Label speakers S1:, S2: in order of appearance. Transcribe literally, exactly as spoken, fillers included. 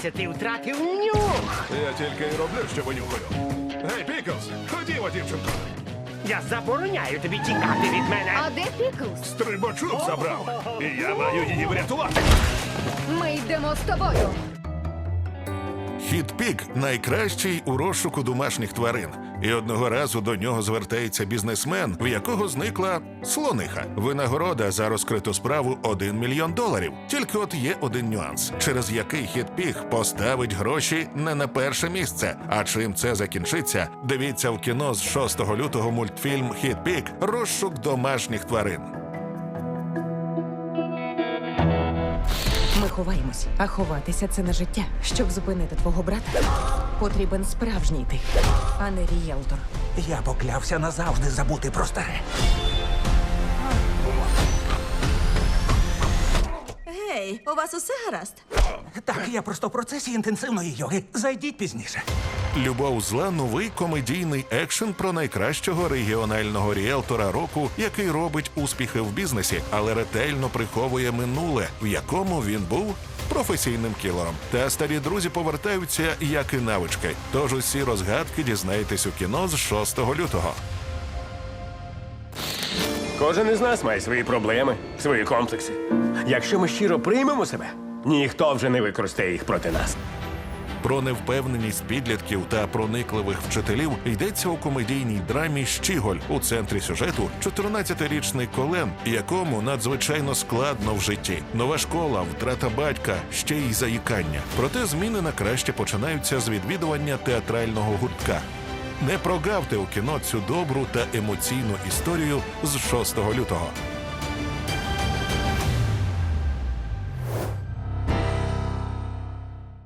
S1: Здається, ти втратив нюх.
S2: Я тільки й роблю, що винюхаю. Гей, Піклз, ходімо, дівчинко.
S1: Я забороняю тобі тікати від мене.
S3: А де Піклз?
S2: Стрибачок забрав. І я маю її врятувати.
S3: Ми йдемо з тобою.
S4: Хіт Пік найкращий у розшуку домашніх тварин. І одного разу до нього звертається бізнесмен, в якого зникла слониха. Винагорода за розкриту справу один мільйон доларів. Тільки от є один нюанс, через який Хіт Пік поставить гроші не на перше місце. А чим це закінчиться? Дивіться в кіно з шостого лютого мультфільм Хіт Пік «Розшук домашніх тварин».
S5: Ми ховаємось, а ховатися – це не життя. Щоб зупинити твого брата, потрібен справжній ти, а не рієлтор.
S6: Я поклявся назавжди забути про старе.
S7: Гей, у вас усе гаразд?
S6: Так, я просто в процесі інтенсивної йоги. Зайдіть пізніше.
S4: «Любов зла» – новий комедійний екшен про найкращого регіонального ріелтора року, який робить успіхи в бізнесі, але ретельно приховує минуле, в якому він був професійним кілером. Та старі друзі повертаються, як і навички. Тож усі розгадки дізнаєтесь у кіно з шостого лютого.
S1: Кожен із нас має свої проблеми, свої комплекси. Якщо ми щиро приймемо себе, ніхто вже не використає їх проти нас.
S4: Про невпевненість підлітків та проникливих вчителів йдеться у комедійній драмі «Щіголь». У центрі сюжету чотирнадцятирічний Колен, якому надзвичайно складно в житті. Нова школа, втрата батька, ще й заїкання. Проте зміни на краще починаються з відвідування театрального гуртка. Не прогавте у кіно цю добру та емоційну історію з шостого лютого.